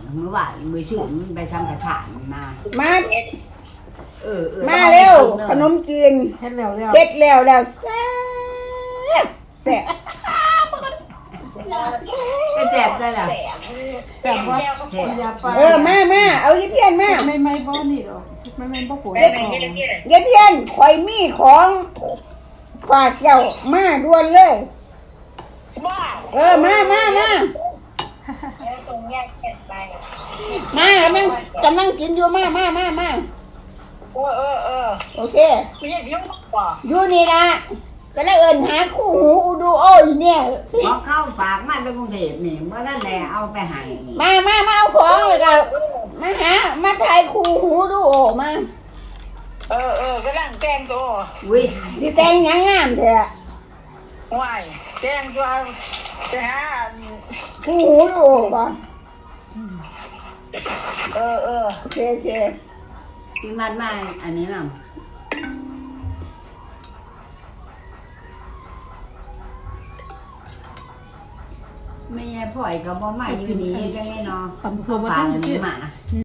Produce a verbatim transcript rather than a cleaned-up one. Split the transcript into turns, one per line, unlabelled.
เมื่อวานมือชื่อมันไปทำกระถางมา
มา
เออเออ
มาเร็วขนมจีน
เฮ็ดแล้วแล้ว
เฮ็ดแล้วแล้วแซ่บแซ่บ
ก็แสบเลยล่ะ
แซ่บบ่
แสบ
อย่าไป
เออมามาเอายี่เพียนมา
ไม่ไม่บ่นี่ดอกไม่ไม่บ่ปวด
เยี่เพียนข่อยมีของฝากเจ้ามาด่วนเลยเออมามามามา กำลังกำลังกินอยู่มามามามา
เออเออเออ
โอเค
ไม่ใช่เยอะกว่า
อยู่นี่ละก็ได้เอินหาคู่หูดูโอ้ยเนี่ย
พอเข้าฝากมาจากกรุงเทพนี่เมื่อนั้นแหละเอาไปให้
มามามาเอาของเลยก็มาหามาถ่ายคู่หูดูโอ้มา
เออเออก็ร่างแจ้งตัว
อุ้ย
สิแต่งหยังงามเถอะ
วายแจ้งตัวไปหา
คู่หูดูโอ้ก่อน
เออเออ
โอเคโอเค
ที่มัดมาอันนี้น่ะไม่ใช่พ่อยก็บ่มาอยู่นี่จังไงเนาะ
ตำตัวบ่
ฝา
ทั
ก
น
อัน
สิ
นี้มา